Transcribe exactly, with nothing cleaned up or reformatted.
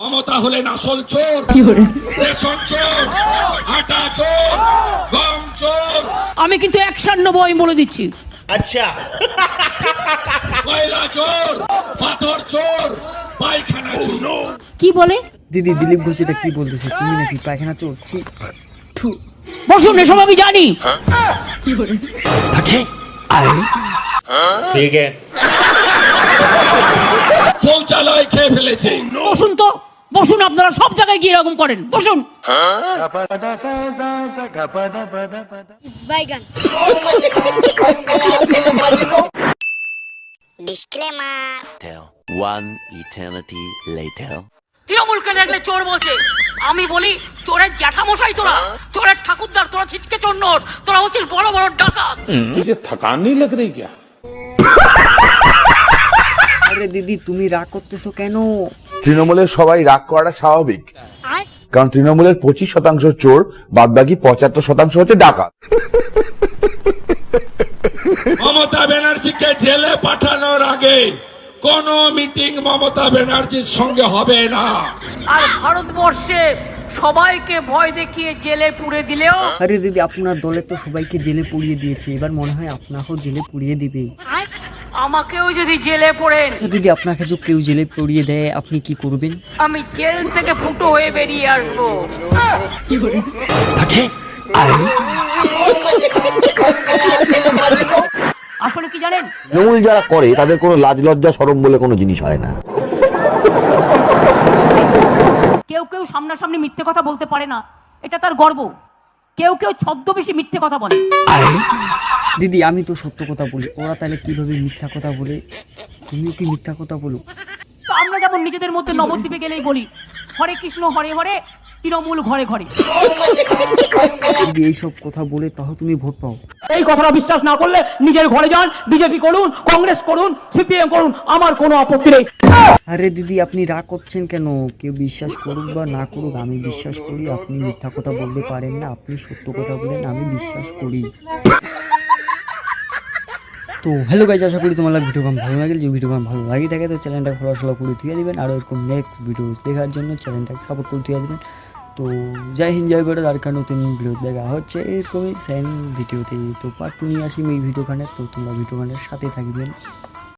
মমতা হলেন আসল চোর, রেশন চোর, আটা চোর, গম চোর। আমি কিন্তু অ্যাকশন নেবো, আমি বলে দিচ্ছি। আচ্ছা, কয়লা চোর, পাথর চোর, পায়খানা চোর। কি বলে? দিদি দিলীপ ঘোষ এটা কি বলতেছে? তুমি নাকি পায়খানা চোর? ছি, থু। বসুন, এসব আমি জানি। ঠিক আছে। শৌচালয় খেয়ে ফেলেছে। বসুন তো, বসুন। আপনারা সব জায়গায় গিয়ে এরকম করেন, বসুন। বাইগান ডিসক্লেমার। One eternity later. তৃণমূলকে দেখলে চোর বলছে, আমি বলি চোরের জ্যাঠামশাই তোরা, চোরের ঠাকুরদার তোরা, ছিচকে চোর নোট তোরা, হচ্ছিস বড় বড় ডাকাত। मुझे थकान नहीं लग रही क्या? আরে দিদি তুমি রাগ করতেছো কেন? তৃণমূলের সবাই রাগ করাটা স্বাভাবিক, কারণ তৃণমূলের পঁচিশ শতাংশ চোর, বাদ বাকি পঁচাত্তর শতাংশ হচ্ছে ডাকাত। মমতা ব্যানার্জিকে জেলে পাঠানোর আগে কোন মিটিং মমতা ব্যানার্জির সঙ্গে হবে না। আর ভারতবর্ষে সবাইকে ভয় দেখিয়ে জেলে পুরে দিলেও আরে দিদি আপনার দলে তো সবাইকে জেলে পুড়িয়ে দিয়েছে, এবার মনে হয় আপনাকেও জেলে পুড়িয়ে দিবে। আমাকেও যদি জেলে পড়েন, তো দিদি আপনাকে যদি কেউ জেলে পুড়িয়ে দেয় আপনি কি করবেন? আমি জেল থেকে ফুটো হয়ে বেরিয়ে আসবো। আসলে কি জানেন, তৃণমূল যারা করে তাদের কোনো লাজ লজ্জা শরম বলে কোনো জিনিস হয় না। কেউ কেউ সামনাসামনি মিথ্যে কথা বলতে পারে না, এটা তার গর্ব। কেউ কেউ ছদ্মবেশী মিথ্যে কথা বলে। দিদি আমি তো সত্য কথা বলি, ওরা তাহলে কিভাবে মিথ্যা কথা বলে? তুমিও কি মিথ্যা কথা বলো? তো আমরা যেমন নিজেদের মধ্যে নবদ্বীপে গেলেই বলি হরে কৃষ্ণ হরে হরে, তৃণমূল ঘরে ঘরে। দিদি এইসব কথা বলে তাও তুমি ভোট পাও? এই কথাটা বিশ্বাস না করলে নিজের ঘরে যান, বিজেপি করুন, কংগ্রেস করুন, সিপিএম করুন, আমার কোনো আপত্তি নেই। আরে দিদি আপনি রাগ করছেন কেন? কেউ বিশ্বাস করুক বা না করুক, আমি বিশ্বাস করি আপনি মিথ্যা কথা বলতে পারেন না, আপনি সত্য কথা বলেন, আমি বিশ্বাস করি। তো হ্যালো গাইজ, আশা করি তোমার ভিডিও গান ভালো লাগে। যে ভিডিও গান ভালো লাগে থাকে তো চ্যানেলটা ফলো ফলো করে দিয়ে দিবেন, আর এরকম নেক্সট ভিডিও দেখার জন্য চ্যানেলটাকে সাপোর্ট করে দিয়ে দিবেন। তো জয় হিন্দ, জয় ভারত। আর কার নতুন ভিডিও দেখা হচ্ছে এরকমই সেম ভিডিওতে। তো পার্ট টু নিয়ে আসি এই ভিডিও গানের, তো তোমরা ভিডিও গানের সাথে থাকবেন।